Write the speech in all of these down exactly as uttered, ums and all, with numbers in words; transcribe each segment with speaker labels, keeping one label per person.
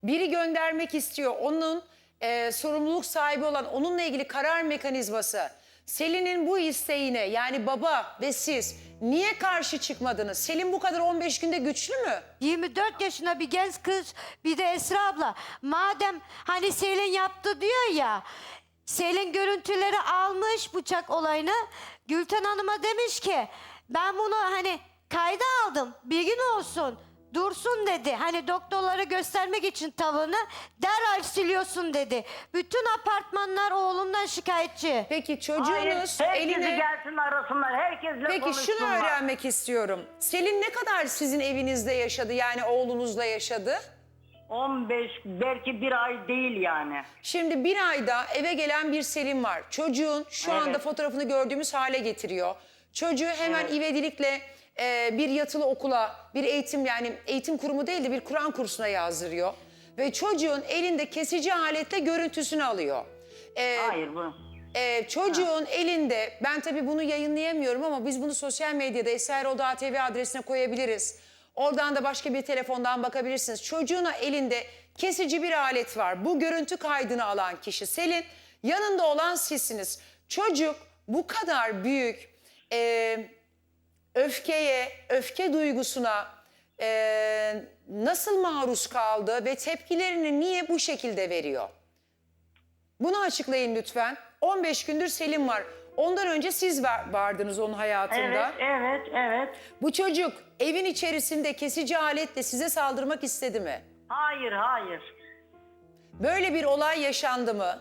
Speaker 1: biri göndermek istiyor. Onun e, sorumluluk sahibi olan, onunla ilgili karar mekanizması. Selin'in bu isteğine, yani baba ve siz niye karşı çıkmadınız? Selin bu kadar on beş günde güçlü mü?
Speaker 2: yirmi dört yaşında bir genç kız, bir de Esra abla. Madem hani Selin yaptı diyor ya, Selin görüntüleri almış bıçak olayını. Gülten Hanım'a demiş ki ben bunu hani kayda aldım, bir gün olsun dursun dedi. Hani doktorlara göstermek için tavını derhal siliyorsun dedi. Bütün apartmanlar oğlundan şikayetçi.
Speaker 1: Peki
Speaker 3: Hayır,
Speaker 1: çocuğunuz
Speaker 3: herkesi
Speaker 1: eline...
Speaker 3: gelsin arasınlar. Herkesle
Speaker 1: Peki
Speaker 3: konuşsunlar.
Speaker 1: şunu öğrenmek istiyorum. Selin ne kadar sizin evinizde yaşadı, yani oğlunuzla yaşadı?
Speaker 3: on beş belki bir ay değil yani.
Speaker 1: Şimdi bir ayda eve gelen bir Selin var. Çocuğun şu
Speaker 3: Evet.
Speaker 1: anda fotoğrafını gördüğümüz hale getiriyor. Çocuğu hemen
Speaker 3: Evet.
Speaker 1: ivedilikle e, bir yatılı okula, bir eğitim, yani eğitim kurumu değil de bir Kur'an kursuna yazdırıyor. Ve çocuğun elinde kesici aletle görüntüsünü alıyor. E,
Speaker 3: Hayır bu.
Speaker 1: e, çocuğun elinde, ben tabii bunu yayınlayamıyorum ama biz bunu sosyal medyada esraerol.tv T V adresine koyabiliriz. Oradan da başka bir telefondan bakabilirsiniz. Çocuğuna elinde kesici bir alet var. Bu görüntü kaydını alan kişi Selin, yanında olan sizsiniz. Çocuk bu kadar büyük e, öfkeye, öfke duygusuna e, nasıl maruz kaldı ve tepkilerini niye bu şekilde veriyor? Bunu açıklayın lütfen. on beş gündür Selim var. Ondan önce siz var- vardınız onun hayatında.
Speaker 3: Evet, evet, evet.
Speaker 1: Bu çocuk evin içerisinde kesici aletle size saldırmak istedi mi?
Speaker 3: Hayır, hayır.
Speaker 1: Böyle bir olay yaşandı mı?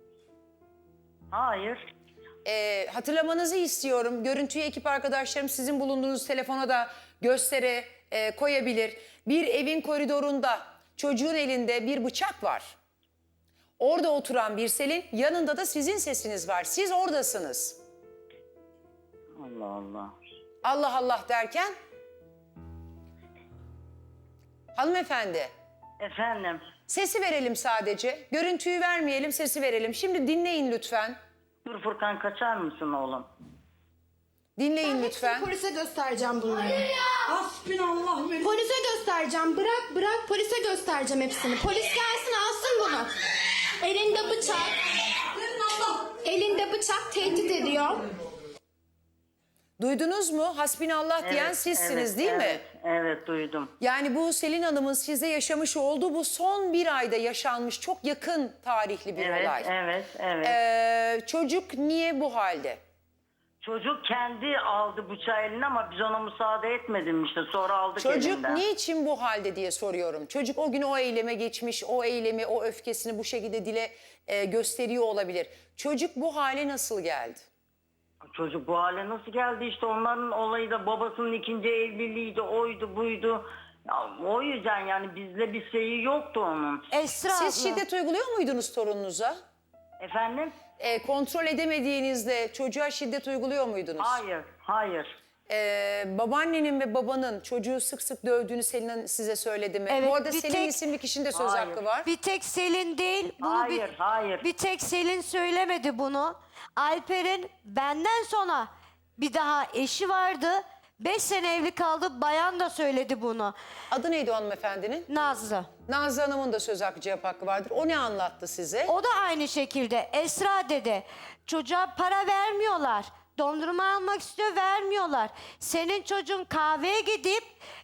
Speaker 3: Hayır.
Speaker 1: Ee, hatırlamanızı istiyorum. Görüntüyü ekip arkadaşlarım sizin bulunduğunuz telefona da göstere e, koyabilir. Bir evin koridorunda çocuğun elinde bir bıçak var. Orada oturan bir Selin, yanında da sizin sesiniz var. Siz oradasınız.
Speaker 3: Allah Allah.
Speaker 1: Allah Allah derken? Hanımefendi,
Speaker 3: Efendim.
Speaker 1: sesi verelim sadece. Görüntüyü vermeyelim, sesi verelim. Şimdi dinleyin lütfen.
Speaker 3: Dur Furkan, kaçar mısın oğlum?
Speaker 1: Dinleyin
Speaker 4: Ben
Speaker 1: lütfen.
Speaker 4: hepsini polise göstereceğim bunları.
Speaker 5: Hasbinallah ve
Speaker 4: Polise göstereceğim. Bırak bırak polise göstereceğim hepsini. Polis gelsin alsın bunu. Elinde bıçak. Elinde bıçak tehdit ediyor.
Speaker 1: Duydunuz mu? Hasbinallah diyen
Speaker 3: Evet,
Speaker 1: sizsiniz
Speaker 3: evet,
Speaker 1: değil mi?
Speaker 3: evet, Evet, duydum.
Speaker 1: Yani bu Selin Hanım'ın size yaşamış olduğu bu son bir ayda yaşanmış çok yakın tarihli bir
Speaker 3: Evet,
Speaker 1: olay.
Speaker 3: evet, evet.
Speaker 1: Ee, çocuk niye bu halde?
Speaker 3: Çocuk kendi aldı bıçağı eline ama biz ona müsaade etmedim işte. Sonra aldık
Speaker 1: Çocuk
Speaker 3: elinden.
Speaker 1: niçin bu halde diye soruyorum. Çocuk o gün o eyleme geçmiş, o eylemi, o öfkesini bu şekilde dile e, gösteriyor olabilir. Çocuk bu hale nasıl geldi?
Speaker 3: Çocuk bu hale nasıl geldi işte, onların olayı da babasının ikinci evliliğiydi, oydu buydu. Ya, o yüzden yani bizle bir şeyi yoktu onun.
Speaker 2: Esra
Speaker 1: Siz
Speaker 2: abla.
Speaker 1: şiddet uyguluyor muydunuz torununuza?
Speaker 3: Efendim?
Speaker 1: E, kontrol edemediğinizde çocuğa şiddet uyguluyor muydunuz?
Speaker 3: Hayır, hayır.
Speaker 1: Ee, babaannenin ve babanın çocuğu sık sık dövdüğünü Selin size söyledi mi?
Speaker 2: Evet,
Speaker 1: Bu arada
Speaker 2: bir
Speaker 1: Selin
Speaker 2: tek-
Speaker 1: isimli kişinin de söz
Speaker 3: Hayır.
Speaker 1: hakkı var.
Speaker 2: Bir tek Selin değil. Bunu
Speaker 3: Hayır,
Speaker 2: bir,
Speaker 3: hayır.
Speaker 2: Bir tek Selin söylemedi bunu. Alper'in benden sonra bir daha eşi vardı. Beş sene evli kaldı. Bayan da söyledi bunu.
Speaker 1: Adı neydi o hanımefendinin?
Speaker 2: Nazlı.
Speaker 1: Nazlı Hanım'ın da söz hakkı cevap hakkı vardır. O ne anlattı size?
Speaker 2: O da aynı şekilde. Esra dedi. Çocuğa para vermiyorlar. Dondurma almak istiyor, vermiyorlar. Senin çocuğun kahveye gidip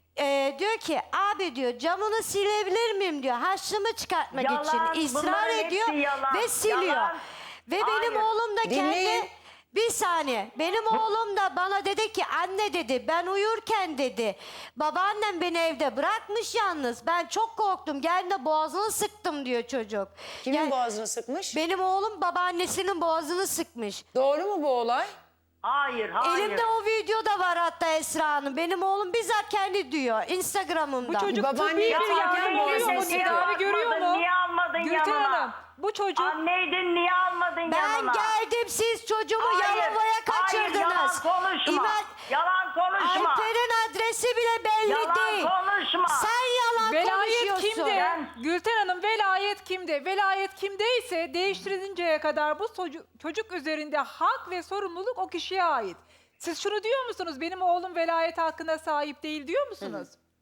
Speaker 2: e, diyor ki abi diyor camını silebilir miyim diyor. Harçlığımı çıkartmak
Speaker 3: Yalan,
Speaker 2: için ısrar
Speaker 3: bunların
Speaker 2: ediyor
Speaker 3: hepsi yalan,
Speaker 2: ve siliyor.
Speaker 3: yalan.
Speaker 2: Ve benim
Speaker 3: Hayır.
Speaker 2: oğlum da
Speaker 1: Dinleyin.
Speaker 2: kendi bir saniye. Benim oğlum da bana dedi ki anne dedi ben uyurken dedi babaannem beni evde bırakmış yalnız. Ben çok korktum. Geldi boğazını sıktım diyor çocuk.
Speaker 1: Kimin
Speaker 2: Yani
Speaker 1: boğazını sıkmış?
Speaker 2: benim oğlum babaannesinin boğazını sıkmış.
Speaker 1: Doğru mu bu olay?
Speaker 3: Hayır, hayır.
Speaker 2: Elimde o video da var hatta Esra Hanım. Benim oğlum bizzat kendi diyor Instagram'ımda.
Speaker 5: bu çocuk
Speaker 1: Babaanne
Speaker 5: tıbbi bir
Speaker 1: yatarken
Speaker 5: yardım
Speaker 1: boğazını
Speaker 5: görüyor mu?
Speaker 1: sıkıyor.
Speaker 5: Tedavi görüyor mu?
Speaker 3: Niye almadın
Speaker 5: Gülten
Speaker 3: yanına?
Speaker 5: Hanım bu çocuk
Speaker 3: Anneydin, niye almadın
Speaker 2: Ben
Speaker 3: yanına?
Speaker 2: geldim siz çocuğumu
Speaker 3: Hayır,
Speaker 2: Yalova'ya kaçırdınız.
Speaker 3: Hayır, yalan konuşma.
Speaker 2: İmel-
Speaker 3: Yalan konuşma.
Speaker 2: Alper'in adresi bile belli
Speaker 3: Yalan
Speaker 2: değil.
Speaker 3: konuşma.
Speaker 2: Sen yalan
Speaker 5: velayet
Speaker 2: konuşuyorsun.
Speaker 5: kimde?
Speaker 3: Ben-
Speaker 5: Gülten Hanım velayet kimde? Velayet kimdeyse değiştirilinceye kadar bu çocuk, çocuk üzerinde hak ve sorumluluk o kişiye ait. Siz şunu diyor musunuz? Benim oğlum velayet hakkına sahip değil diyor musunuz?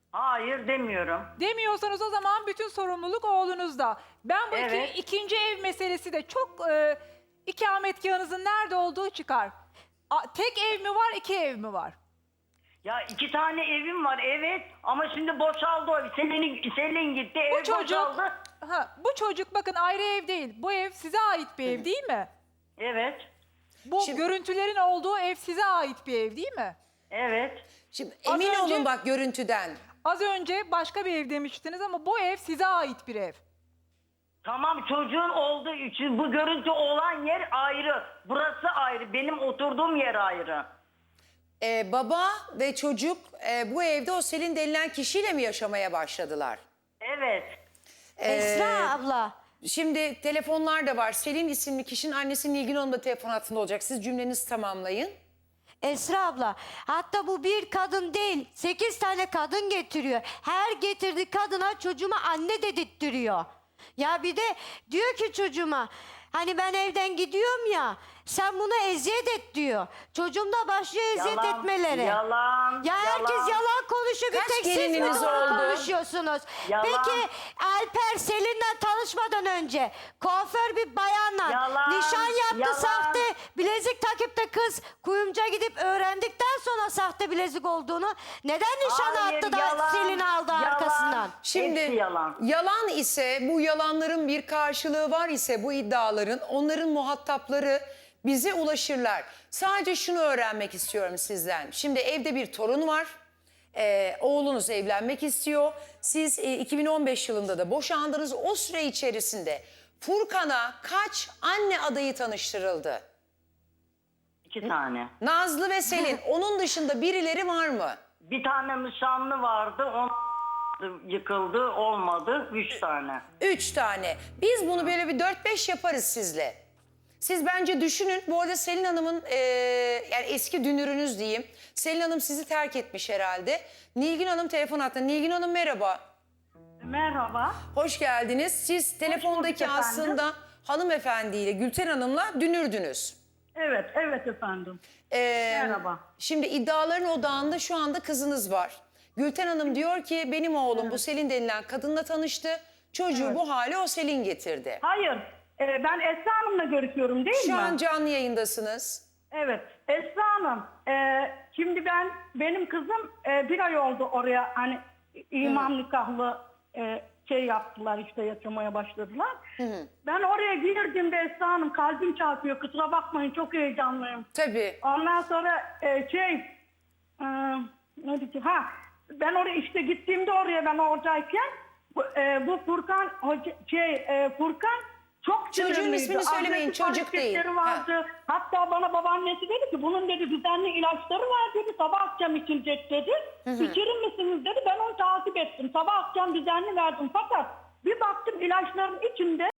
Speaker 3: Hayır demiyorum.
Speaker 5: Demiyorsanız o zaman bütün sorumluluk oğlunuzda. Ben bu iki-
Speaker 3: Evet.
Speaker 5: ikinci ev meselesi de çok e, ikametgahınızın nerede olduğu çıkar. A- tek ev mi var, iki ev mi var?
Speaker 3: Ya iki tane evim var evet ama şimdi boşaldı o ev. Selin, Selin gitti
Speaker 5: Bu
Speaker 3: ev
Speaker 5: çocuk,
Speaker 3: boşaldı.
Speaker 5: ha, bu çocuk bakın ayrı ev değil. Bu ev size ait bir ev değil mi?
Speaker 3: Evet.
Speaker 5: Bu
Speaker 1: Şimdi-
Speaker 5: görüntülerin olduğu ev size ait bir ev değil mi?
Speaker 3: Evet.
Speaker 1: Şimdi
Speaker 5: Az
Speaker 1: emin
Speaker 5: önce-
Speaker 1: olun bak görüntüden.
Speaker 5: Az önce başka bir ev demiştiniz ama bu ev size ait bir ev.
Speaker 3: Tamam çocuğun olduğu için bu görüntü olan yer ayrı. Burası ayrı. Benim oturduğum yer ayrı.
Speaker 1: Ee, baba ve çocuk e, bu evde o Selin denilen kişiyle mi yaşamaya başladılar?
Speaker 3: Evet.
Speaker 2: Esra abla.
Speaker 1: Şimdi telefonlar da var. Selin isimli kişinin annesi Nilgün Hanım da telefon hattında olacak. Siz cümlenizi tamamlayın.
Speaker 2: Esra abla, hatta bu bir kadın değil, sekiz tane kadın getiriyor. Her getirdiği kadına çocuğuma anne dedirttiriyor. Ya bir de diyor ki çocuğuma, hani ben evden gidiyorum ya, sen buna eziyet et diyor. Çocuğum da başlıyor eziyet
Speaker 3: Yalan,
Speaker 2: etmelere.
Speaker 3: yalan,
Speaker 2: Ya herkes
Speaker 3: yalan.
Speaker 2: yalan konuşuyor, bir
Speaker 1: Kaç
Speaker 2: tek siz mi
Speaker 1: gelininiz
Speaker 2: doğru
Speaker 1: oldu?
Speaker 2: konuşuyorsunuz?
Speaker 3: Yalan.
Speaker 2: Peki Alper Selin'le tanışmadan önce kuaför bir bayanla
Speaker 3: Yalan,
Speaker 2: nişan yaptı,
Speaker 3: yalan.
Speaker 2: sahte bilezik takıp da kız kuyumcuya gidip öğrendikten sonra sahte bilezik olduğunu neden nişan
Speaker 3: Hayır,
Speaker 2: attı da
Speaker 3: yalan,
Speaker 2: Selin aldı
Speaker 3: yalan.
Speaker 2: arkasından?
Speaker 1: Şimdi
Speaker 3: Hepsi yalan.
Speaker 1: yalan ise, bu yalanların bir karşılığı var ise bu iddiaların, onların muhatapları bize ulaşırlar. Sadece şunu öğrenmek istiyorum sizden. Şimdi evde bir torun var. Ee, oğlunuz evlenmek istiyor. Siz e, iki bin on beş yılında da boşandınız. O süre içerisinde Furkan'a kaç anne adayı tanıştırıldı?
Speaker 3: İki tane.
Speaker 1: Nazlı ve Selin. Onun dışında birileri var mı?
Speaker 3: Bir tane nişanlı vardı. On yıkıldı. Olmadı. Üç tane.
Speaker 1: Üç tane. Biz bunu böyle bir dört beş yaparız sizle. Siz bence düşünün. Bu arada Selin Hanım'ın e, yani eski dünürünüz diyeyim. Selin Hanım sizi terk etmiş herhalde. Nilgün Hanım telefon attı. Nilgün Hanım merhaba.
Speaker 6: Merhaba.
Speaker 1: Hoş geldiniz. Siz telefondaki
Speaker 6: efendim.
Speaker 1: aslında hanımefendiyle Gülten Hanım'la dünürdünüz.
Speaker 6: Evet, evet efendim.
Speaker 1: Ee,
Speaker 6: Merhaba.
Speaker 1: Şimdi iddiaların odağında şu anda kızınız var. Gülten Hanım diyor ki benim oğlum bu Selin denilen kadınla tanıştı. Çocuğu bu hale o Selin getirdi.
Speaker 6: Hayır, e, ben Esra Hanım'la görüşüyorum değil
Speaker 1: Şu
Speaker 6: mi?
Speaker 1: an canlı yayındasınız.
Speaker 6: Evet, Esra Hanım. e, şimdi ben, benim kızım e, bir ay oldu oraya hani imam nikahlı e, şey yaptılar işte yaşamaya başladılar. Ben oraya girdiğimde Esra Hanım kalbim çarpıyor. Kusura bakmayın çok heyecanlıyım.
Speaker 1: Tabii.
Speaker 6: Ondan sonra e, şey e, ne diyeceğim? Ha, ben oraya işte gittiğimde oraya ben oradayken bu, e, bu Furkan hoca, şey e, Furkan çok
Speaker 1: Çocuğun
Speaker 6: sinirliydi.
Speaker 1: ismini söylemeyin,
Speaker 6: Agresif
Speaker 1: çocuk değil.
Speaker 6: hareketleri vardı. Hatta bana babaannesi dedi ki bunun dedi düzenli ilaçları var dedi. Sabah akşam içilecek dedi. İçirir misiniz dedi. Ben onu takip ettim. Sabah akşam düzenli verdim. Fakat bir baktım ilaçların içinde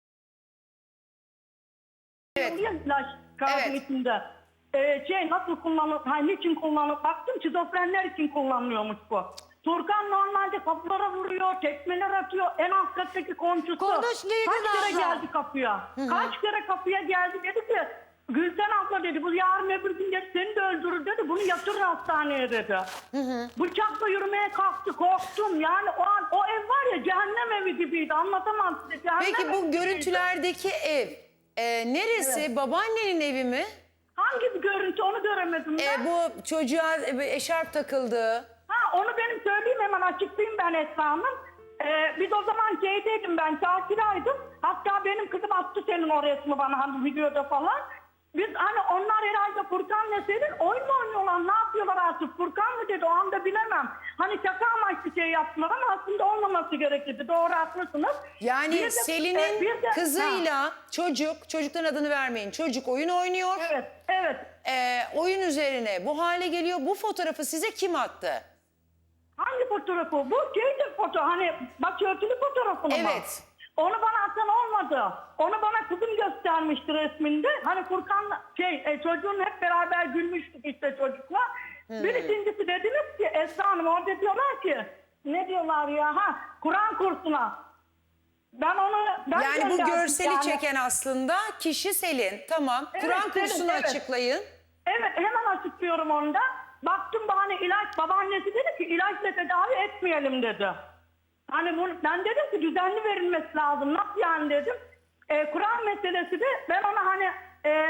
Speaker 1: Evet.
Speaker 6: ilaç kağıdın
Speaker 1: Evet.
Speaker 6: içinde. Ee, şey nasıl kullanılır, hani niçin kullanılır baktım şizofrenler için kullanılıyormuş bu. Turkan normalde kapılara vuruyor, tekmeler atıyor. En alt kattaki komşusu.
Speaker 2: Konuş Nilgün
Speaker 6: Kaç kere
Speaker 2: abla.
Speaker 6: geldi kapıya? Kaç kere kapıya geldi dedi ki Gülten abla dedi bu yarın öbür gün dedi, seni de öldürür dedi. Bunu yatırır hastaneye dedi. Bıçakla yürümeye kalktı korktum. Yani o an o ev var ya cehennem evi gibiydi anlatamam size. Cehennem
Speaker 1: Peki
Speaker 6: evi
Speaker 1: bu
Speaker 6: gibiydi.
Speaker 1: görüntülerdeki ev e, neresi? Babaannenin evi mi?
Speaker 6: Hangi bir görüntü onu göremedim ben.
Speaker 1: E, bu çocuğa e, eşarp takıldı.
Speaker 6: Ha onu benim söyleyeyim hemen açıklayayım ben Esra Hanım. Ee, biz o zaman şeydeydim ben Çarşı'daydım. Hatta benim kızım attı senin o resmi bana hani videoda falan. Biz hani onlar herhalde Furkan'la Selin oyun mu oynuyorlar ne yapıyorlar artık Furkan mı dedi o anda bilemem. Hani şaka amaçlı şey yaptılar ama aslında olmaması gerekirdi doğru haklısınız.
Speaker 1: Yani
Speaker 6: Bir de-
Speaker 1: Selin'in
Speaker 6: e, bir de-
Speaker 1: kızıyla
Speaker 6: Ha,
Speaker 1: çocuk, çocukların adını vermeyin. Çocuk oyun oynuyor.
Speaker 6: evet evet.
Speaker 1: E, oyun üzerine bu hale geliyor. Bu fotoğrafı size kim attı?
Speaker 6: Hangi fotoğrafı? Bu şeydir foto hani başörtülü fotoğrafını mı?
Speaker 1: Evet.
Speaker 6: Onu bana atan olmadı. Onu bana kızım göstermişti resminde. Hani Furkan'la şey e, çocuğun hep beraber gülmüştük işte çocukla. Bir ikincisi dediniz ki Esra Hanım orada diyorlar ki ne diyorlar ya ha Kur'an kursuna. Ben onu ben
Speaker 1: Yani bu
Speaker 6: gönderdim
Speaker 1: görseli
Speaker 6: yani.
Speaker 1: çeken aslında kişi Selin. Tamam.
Speaker 6: Evet,
Speaker 1: Kur'an
Speaker 6: Selin,
Speaker 1: kursunu
Speaker 6: evet.
Speaker 1: açıklayın.
Speaker 6: Evet hemen açıklıyorum onu da. baktım bahane ilaç, babaannesi dedi ki ilaçla tedavi etmeyelim dedi. Hani bunu, ben dedim ki düzenli verilmesi lazım. Nasıl yani dedim. Ee, Kur'an meselesi de ben ona hani e,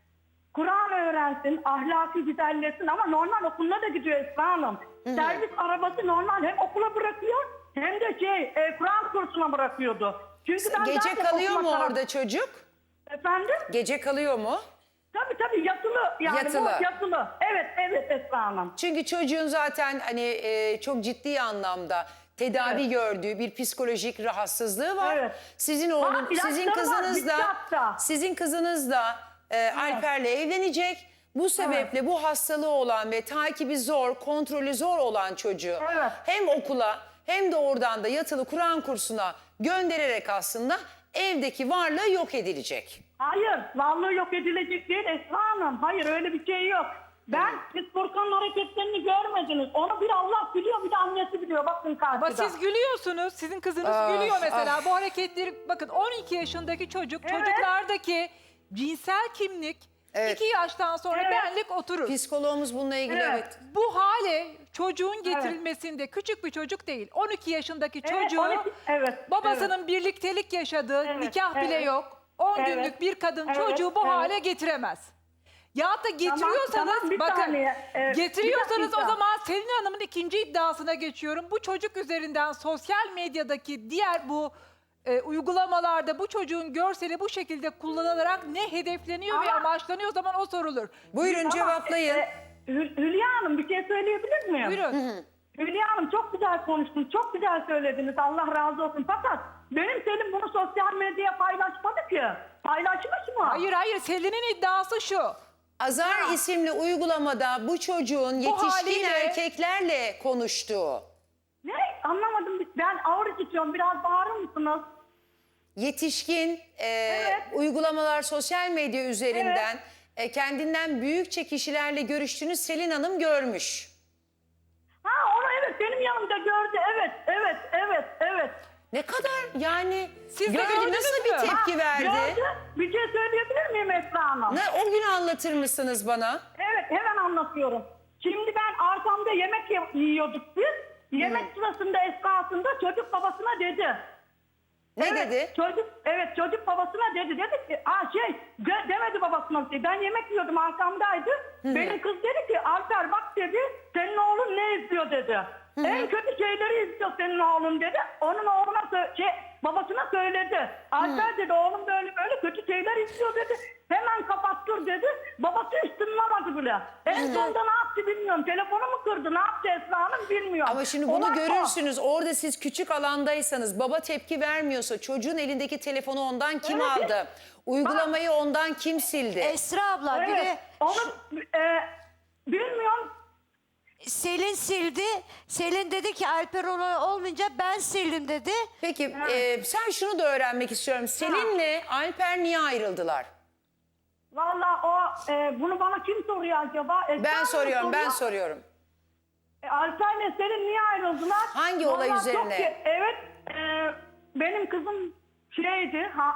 Speaker 6: Kur'an öğrensin, ahlaki güzelleşsin ama normal okuluna da gidiyor Esra Hanım. Servis arabası normal hem okula bırakıyor hem de şey e, Kur'an kursuna bırakıyordu. Çünkü ben
Speaker 1: Gece
Speaker 6: zaten
Speaker 1: kalıyor mu
Speaker 6: okuma taraf-
Speaker 1: orada çocuk?
Speaker 6: Efendim?
Speaker 1: Gece kalıyor mu?
Speaker 6: Tabii tabii yatılı yani
Speaker 1: Yatılı.
Speaker 6: bu yatılı. Evet evet Esra Hanım.
Speaker 1: Çünkü çocuğun zaten hani e, çok ciddi anlamda tedavi
Speaker 6: Evet.
Speaker 1: gördüğü bir psikolojik rahatsızlığı var.
Speaker 6: Evet.
Speaker 1: Sizin oğlun,
Speaker 6: Var, ilaçları
Speaker 1: sizin
Speaker 6: var,
Speaker 1: kızınız
Speaker 6: bitti
Speaker 1: da,
Speaker 6: hatta.
Speaker 1: sizin kızınız da e, Alper'le evlenecek. Bu sebeple bu hastalığı olan ve takibi zor, kontrolü zor olan çocuğu
Speaker 6: Evet.
Speaker 1: hem okula hem de oradan da yatılı Kur'an kursuna göndererek aslında evdeki varlığı yok edilecek.
Speaker 6: Hayır, varlığı yok edilecek değil Esra Hanım. Hayır, öyle bir şey yok. Ben, siz Furkan'ın hareketlerini görmediniz. Onu bir Allah biliyor, bir de annesi biliyor. Bakın karşıda.
Speaker 5: Ama siz gülüyorsunuz. Sizin kızınız
Speaker 1: Ah,
Speaker 5: gülüyor mesela.
Speaker 1: ah.
Speaker 5: Bu hareketleri bakın on iki yaşındaki çocuk
Speaker 6: Evet.
Speaker 5: çocuklardaki cinsel kimlik
Speaker 1: Evet.
Speaker 5: iki yaştan sonra
Speaker 6: Evet.
Speaker 5: benlik oturur.
Speaker 1: Psikoloğumuz bununla ilgili
Speaker 6: Evet.
Speaker 1: evet.
Speaker 5: Bu hale çocuğun getirilmesinde küçük bir çocuk değil. on iki yaşındaki
Speaker 6: Evet,
Speaker 5: çocuğu
Speaker 6: on iki evet,
Speaker 5: babasının birliktelik yaşadığı
Speaker 6: Evet,
Speaker 5: nikah bile
Speaker 6: evet.
Speaker 5: yok. on
Speaker 6: Evet.
Speaker 5: günlük bir kadın
Speaker 6: Evet,
Speaker 5: çocuğu bu
Speaker 6: evet.
Speaker 5: hale getiremez. Ya da getiriyorsanız
Speaker 6: tamam, bir
Speaker 5: bakın
Speaker 6: saniye. Ee, bir
Speaker 5: getiriyorsanız o
Speaker 6: dakika.
Speaker 5: zaman Selin Hanım'ın ikinci iddiasına geçiyorum. Bu çocuk üzerinden sosyal medyadaki diğer bu e, uygulamalarda bu çocuğun görseli bu şekilde kullanılarak ne hedefleniyor ve
Speaker 6: Ama-
Speaker 5: amaçlanıyor o zaman o sorulur.
Speaker 1: Buyurun
Speaker 6: Ama,
Speaker 1: cevaplayın.
Speaker 6: e, Hül- Hülya Hanım bir şey söyleyebilir miyim?
Speaker 5: Buyurun.
Speaker 6: Hülya Hanım çok güzel konuştunuz, çok güzel söylediniz. Allah razı olsun. Fakat benim Selim bunu sosyal medyaya paylaşmadı ki. Paylaşmış mı?
Speaker 5: Hayır hayır Selin'in iddiası şu.
Speaker 1: Azar isimli uygulamada bu çocuğun yetişkin
Speaker 5: haliyle-
Speaker 1: erkeklerle konuştuğu,
Speaker 6: Ne? Anlamadım. Ben ağır işitiyorum. Biraz bağırır mısınız?
Speaker 1: yetişkin e, uygulamalar sosyal medya üzerinden e, kendinden büyükçe kişilerle görüştüğünü Selin Hanım görmüş.
Speaker 6: Ha onu evet benim yanımda gördü. Evet, evet, evet, evet.
Speaker 1: Ne kadar yani
Speaker 5: Siz de
Speaker 1: gördü,
Speaker 5: gördünüz
Speaker 1: nasıl bir
Speaker 5: mü?
Speaker 1: tepki
Speaker 6: Ha,
Speaker 1: verdi?
Speaker 6: Gördü. Bir şey söyleyebilir miyim Esra Hanım?
Speaker 1: Ne, o gün anlatır mısınız bana?
Speaker 6: Evet hemen anlatıyorum. Şimdi ben arkamda yemek ye- yiyorduk biz. Yemek sırasında esnasında çocuk babasına dedi.
Speaker 1: Ne
Speaker 6: Evet,
Speaker 1: dedi?
Speaker 6: Çocuk, evet çocuk babasına dedi. Dedi ki aa şey gö- demedi babasına. Ben yemek yiyordum arkamdaydı. Benim kız dedi ki Alper bak dedi senin oğlun ne izliyor dedi. En kötü şeyleri izliyor senin oğlun dedi. Onun oğluna sö- şey, babasına söyledi. Alper dedi oğlum böyle böyle kötü şeyler izliyor dedi. Hemen kapattır dedi. Babası üstüne aradı bile. En sonunda ne yaptı bilmiyorum. Telefonu mu kırdı ne yaptı Esra Hanım bilmiyorum.
Speaker 1: Ama şimdi bunu
Speaker 6: Ondan sonra-
Speaker 1: görürsünüz. Orada siz küçük alandaysanız, baba tepki vermiyorsa, çocuğun elindeki telefonu ondan kim
Speaker 6: Evet.
Speaker 1: aldı? Uygulamayı ondan kim sildi?
Speaker 2: Esra abla bir
Speaker 6: Evet.
Speaker 2: de
Speaker 6: Onu e, bilmiyorum.
Speaker 2: Selin sildi. Selin dedi ki Alper olayı olmayınca ben sildim dedi.
Speaker 1: Peki e, sen şunu da öğrenmek istiyorum. Selin'le Alper niye ayrıldılar?
Speaker 6: Vallahi o e, bunu bana kim soruyor acaba? Esra
Speaker 1: Ben
Speaker 6: Hanım
Speaker 1: soruyorum, ben
Speaker 6: soruyor.
Speaker 1: soruyorum.
Speaker 6: E, Alper'le Selin niye ayrıldılar?
Speaker 1: Hangi olay
Speaker 6: Vallahi çok
Speaker 1: üzerine?
Speaker 6: ki- evet e, benim kızım şeydi ha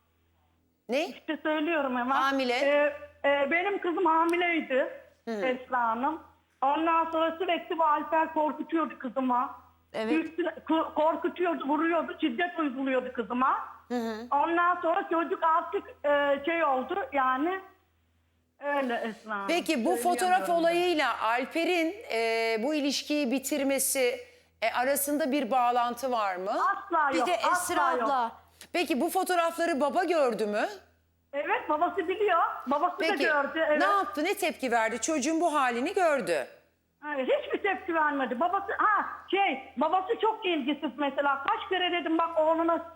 Speaker 1: Ne?
Speaker 6: işte söylüyorum hemen.
Speaker 1: Hamile.
Speaker 6: E, e, benim kızım hamileydi Esra Hanım. Ondan sonra sürekli bu Alper korkutuyordu kızıma.
Speaker 2: Evet.
Speaker 6: Üstüne, ko- korkutuyordu, vuruyordu, şiddet uyguluyordu kızıma. Ondan sonra çocuk artık e, şey oldu yani öyle Esra Hanım.
Speaker 1: Peki bu fotoğraf
Speaker 6: Söyleyemiyorum.
Speaker 1: olayıyla Alper'in e, bu ilişkiyi bitirmesi e, arasında bir bağlantı var mı?
Speaker 6: Asla
Speaker 2: Bir
Speaker 6: yok.
Speaker 2: de
Speaker 6: asla
Speaker 2: Esra
Speaker 6: yok.
Speaker 2: abla.
Speaker 1: Peki bu fotoğrafları baba gördü mü?
Speaker 6: Evet babası biliyor. Babası da
Speaker 1: Peki
Speaker 6: gördü. Evet.
Speaker 1: ne yaptı, ne tepki verdi? Çocuğun bu halini gördü.
Speaker 6: Hayır, hiçbir tepki vermedi. Babası ha şey babası çok ilgisiz mesela. Kaç kere dedim bak oğluna.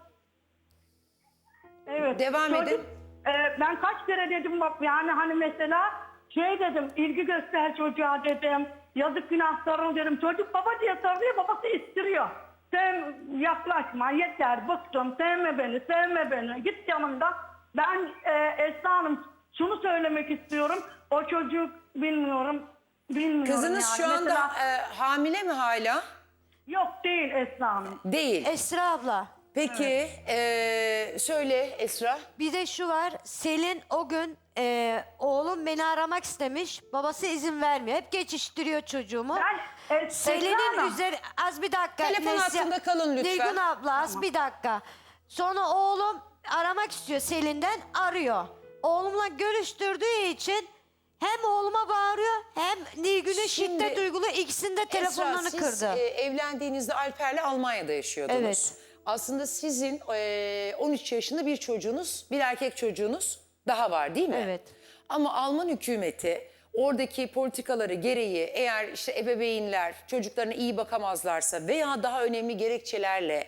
Speaker 6: Evet.
Speaker 1: Devam edin.
Speaker 6: e, ben kaç kere dedim bak yani hani mesela şey dedim ilgi göster çocuğa dedim. Yazık günah sarıl dedim. Çocuk baba diye sarılıyor babası istiriyor. Sen yaklaşma yeter bıktım sevme beni sevme beni git yanımda. Ben e, Esra Hanım şunu söylemek istiyorum. O çocuk bilmiyorum bilmiyorum
Speaker 1: Kızınız
Speaker 6: yani.
Speaker 1: şu anda
Speaker 6: Mesela-
Speaker 1: e, hamile mi hala?
Speaker 6: Yok değil Esra Hanım.
Speaker 1: Değil.
Speaker 2: Esra abla.
Speaker 1: Peki e, söyle Esra.
Speaker 2: Bir de şu var, Selin o gün e, oğlum beni aramak istemiş. Babası izin vermiyor. Hep geçiştiriyor çocuğumu.
Speaker 6: Ben, e, Esra
Speaker 2: Selin'in
Speaker 6: Hanım,
Speaker 2: üzeri... Az bir dakika.
Speaker 1: Telefon hattında kalın lütfen.
Speaker 2: Nilgün abla az bir dakika. Sonra oğlum aramak istiyor Selin'den, arıyor. Oğlumla görüştürdüğü için hem oğluma bağırıyor hem Nilgün'e
Speaker 1: Şimdi,
Speaker 2: şiddet uyguluyor. İkisinin de telefonlarını
Speaker 1: Esra, siz
Speaker 2: kırdı.
Speaker 1: e, evlendiğinizde Alper'le Almanya'da yaşıyordunuz.
Speaker 2: Evet.
Speaker 1: Aslında sizin e, on üç yaşında bir çocuğunuz, bir erkek çocuğunuz daha var değil mi?
Speaker 2: Evet.
Speaker 1: Ama Alman hükümeti oradaki politikaları gereği eğer işte ebeveynler çocuklarına iyi bakamazlarsa veya daha önemli gerekçelerle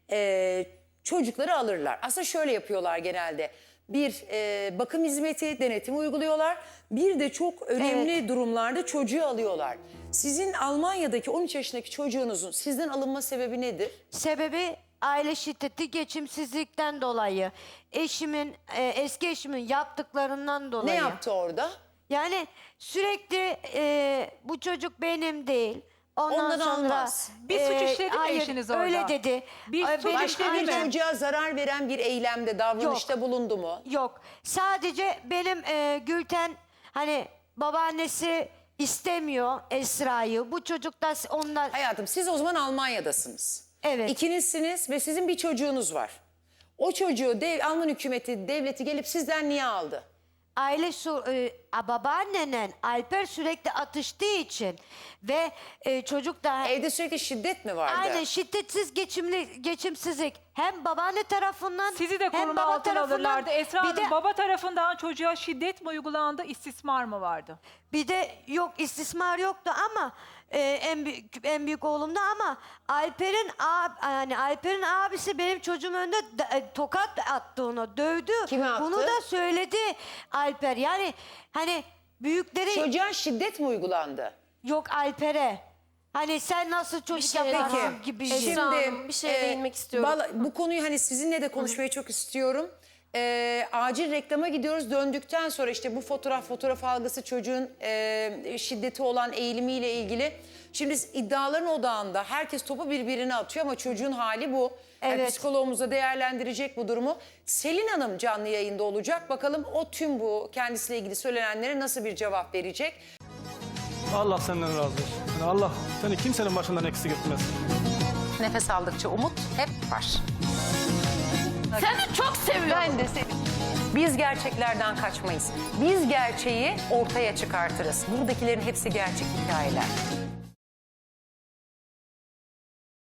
Speaker 1: e, çocukları alırlar. Aslında şöyle yapıyorlar genelde. Bir e, bakım hizmeti, denetim uyguluyorlar. Bir de çok önemli
Speaker 2: Evet.
Speaker 1: durumlarda çocuğu alıyorlar. Sizin Almanya'daki on üç yaşındaki çocuğunuzun sizden alınma sebebi nedir?
Speaker 2: Sebebi aile şiddeti, geçimsizlikten dolayı. Eşimin, e, eski eşimin yaptıklarından dolayı.
Speaker 1: Ne yaptı orada?
Speaker 2: Yani sürekli e, bu çocuk benim değil. Ondan
Speaker 1: Ondan
Speaker 2: sonra
Speaker 1: almaz.
Speaker 5: Bir suç işledi mi
Speaker 2: hayır,
Speaker 5: eşiniz orada?
Speaker 2: Öyle dedi.
Speaker 5: Bir
Speaker 2: Ay,
Speaker 5: suç
Speaker 2: benim-
Speaker 5: işledi
Speaker 1: Başka bir
Speaker 5: mi?
Speaker 1: çocuğa zarar veren bir eylemde, davranışta bulundu mu?
Speaker 2: Yok. Sadece benim e, Gülten hani babaannesi istemiyor Esra'yı. Bu çocuk da ondan...
Speaker 1: Hayatım siz o zaman Almanya'dasınız.
Speaker 2: Evet.
Speaker 1: İkinizsiniz ve sizin bir çocuğunuz var. O çocuğu dev, Alman hükümeti, devleti gelip sizden niye aldı?
Speaker 2: Aile su, e, a- babaannenen Alper sürekli atıştığı için ve e, çocuk da
Speaker 1: Evde sürekli şiddet mi vardı?
Speaker 2: aynen şiddetsiz geçimli geçimsizlik hem babaanne tarafından
Speaker 5: Sizi de
Speaker 2: hem
Speaker 5: koruma
Speaker 2: baba
Speaker 5: altına
Speaker 2: tarafından
Speaker 5: alırlardı. Esra
Speaker 2: bir
Speaker 5: Hanım,
Speaker 2: de,
Speaker 5: baba tarafından çocuğa şiddet mi uygulandı, istismar mı vardı?
Speaker 2: bir de yok istismar yoktu ama e, en büyük en büyük oğlumda ama Alper'in ab, yani Alper'in abisi benim çocuğum önünde da- e, tokat attı ona, dövdü.
Speaker 1: Kime attı?
Speaker 2: Bunu da söyledi Alper. Yani hani büyükleri
Speaker 1: Çocuğa şiddet mi uygulandı?
Speaker 2: yok Alper'e. Hani sen nasıl çocuk
Speaker 7: şey
Speaker 2: yaparsın
Speaker 7: daha-
Speaker 2: gibi.
Speaker 7: Esra
Speaker 2: Şimdi
Speaker 7: Hanım, bir şeye değinmek istiyorum.
Speaker 1: valla bu konuyu hani sizinle de konuşmayı çok istiyorum. E, acil reklama gidiyoruz. Döndükten sonra işte bu fotoğraf, fotoğraf algısı çocuğun e, şiddeti olan eğilimiyle ilgili. Şimdi iddiaların odağında herkes topu birbirine atıyor ama çocuğun hali bu. Yani
Speaker 2: Evet.
Speaker 1: psikologumuz da değerlendirecek bu durumu. Selin Hanım canlı yayında olacak. Bakalım o tüm bu kendisiyle ilgili söylenenlere nasıl bir cevap verecek?
Speaker 8: Allah senden razı olsun. Yani Allah seni kimsenin başından eksik etmez.
Speaker 9: Nefes aldıkça umut hep var.
Speaker 7: Seni çok seviyorum.
Speaker 9: Ben de seni. Biz gerçeklerden kaçmayız. Biz gerçeği ortaya çıkartırız. Buradakilerin hepsi gerçek hikayeler.